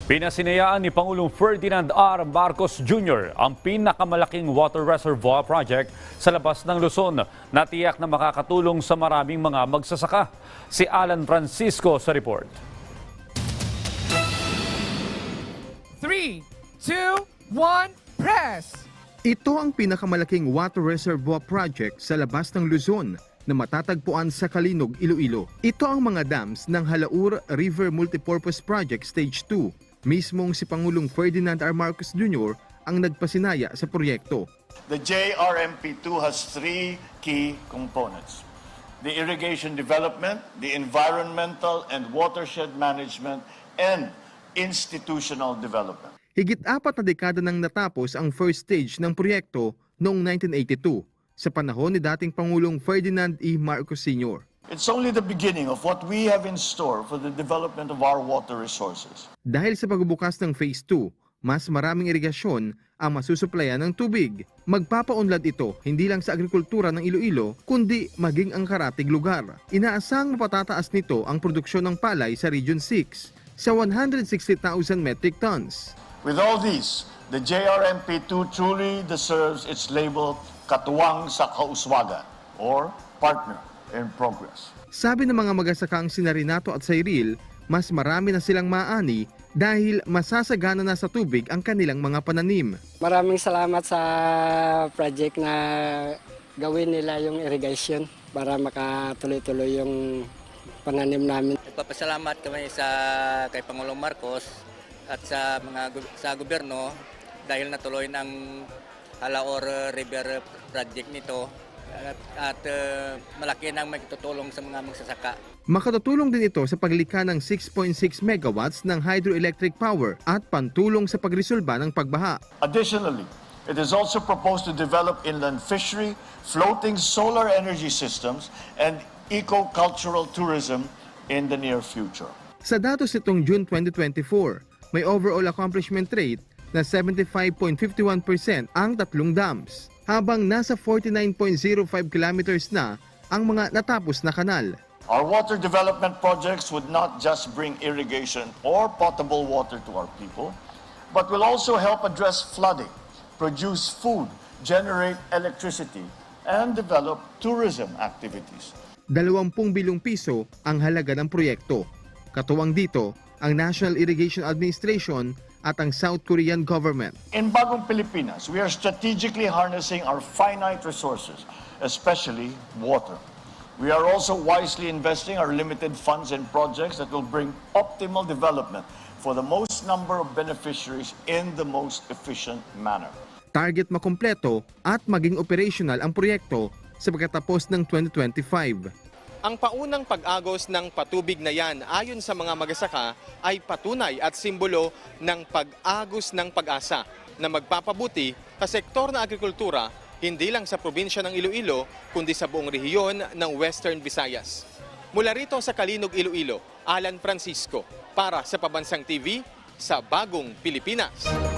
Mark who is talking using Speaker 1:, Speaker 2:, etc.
Speaker 1: Pinasinayaan ni Pangulong Ferdinand R. Marcos Jr. ang pinakamalaking water reservoir project sa labas ng Luzon na tiyak na makakatulong sa maraming mga magsasaka. Si Alan Francisco sa report.
Speaker 2: 3, 2, 1, press!
Speaker 3: Ito ang pinakamalaking water reservoir project sa labas ng Luzon na matatagpuan sa Kalinog, Iloilo. Ito ang mga dams ng Halaur River Multipurpose Project Stage 2. Mismong si Pangulong Ferdinand R. Marcos Jr. ang nagpasinaya sa proyekto.
Speaker 4: The JRMP2 has three key components: the irrigation development, the environmental and watershed management, and institutional development.
Speaker 3: Higit 4 na dekada nang natapos ang first stage ng proyekto noong 1982 sa panahon ni dating Pangulong Ferdinand E. Marcos Sr.
Speaker 4: It's only the beginning of what we have in store for the development of our water resources.
Speaker 3: Dahil sa pagbubukas ng Phase 2, mas maraming irigasyon ang masusuplayan ng tubig. Magpapaunlad ito hindi lang sa agrikultura ng Iloilo, kundi maging ang karatig lugar. Inaasang mapatataas nito ang produksyon ng palay sa Region 6 sa 160,000 metric tons.
Speaker 4: With all these, the JRMP2 truly deserves its label Katuwang sa Kauswagan or Partner in Progress.
Speaker 3: Sabi ng mga magsasakang sina Renato at Cyril, mas marami na silang maani dahil masasagana na sa tubig ang kanilang mga pananim.
Speaker 5: Maraming salamat sa project na gawin nila yung irrigation para makatuloy-tuloy yung pananim namin.
Speaker 6: Nagpapasalamat kami kay Pangulong Marcos at sa gobyerno dahil natuloy ng Halaur River project nito at malaki nang magtutulong sa mga magsasaka.
Speaker 3: Makatutulong din ito sa paglikha ng 6.6 megawatts ng hydroelectric power at pantulong sa pagresolba ng pagbaha.
Speaker 4: Additionally, it is also proposed to develop inland fishery, floating solar energy systems, and eco-cultural tourism in the near future.
Speaker 3: Sa datos nitong June 2024, may overall accomplishment rate na 75.51% ang tatlong dams, habang nasa 49.05 kilometers na ang mga natapos na kanal.
Speaker 4: Our water development projects would not just bring irrigation or potable water to our people, but will also help address flooding, produce food, generate electricity, and develop tourism activities.
Speaker 3: 20 bilyong piso ang halaga ng proyekto. Katuwang dito ang National Irrigation Administration at ang South Korean government.
Speaker 4: In Bagong Pilipinas, we are strategically harnessing our finite resources, especially water. We are also wisely investing our limited funds in projects that will bring optimal development for the most number of beneficiaries in the most efficient manner.
Speaker 3: Target makumpleto at maging operational ang proyekto sa pagkatapos ng 2025.
Speaker 7: Ang paunang pag-agos ng patubig na yan ayon sa mga magsasaka ay patunay at simbolo ng pag-agos ng pag-asa na magpapabuti sa sektor ng agrikultura hindi lang sa probinsya ng Iloilo kundi sa buong rehiyon ng Western Visayas. Mula rito sa Kalinog, Iloilo, Alan Francisco para sa Pabansang TV sa Bagong Pilipinas.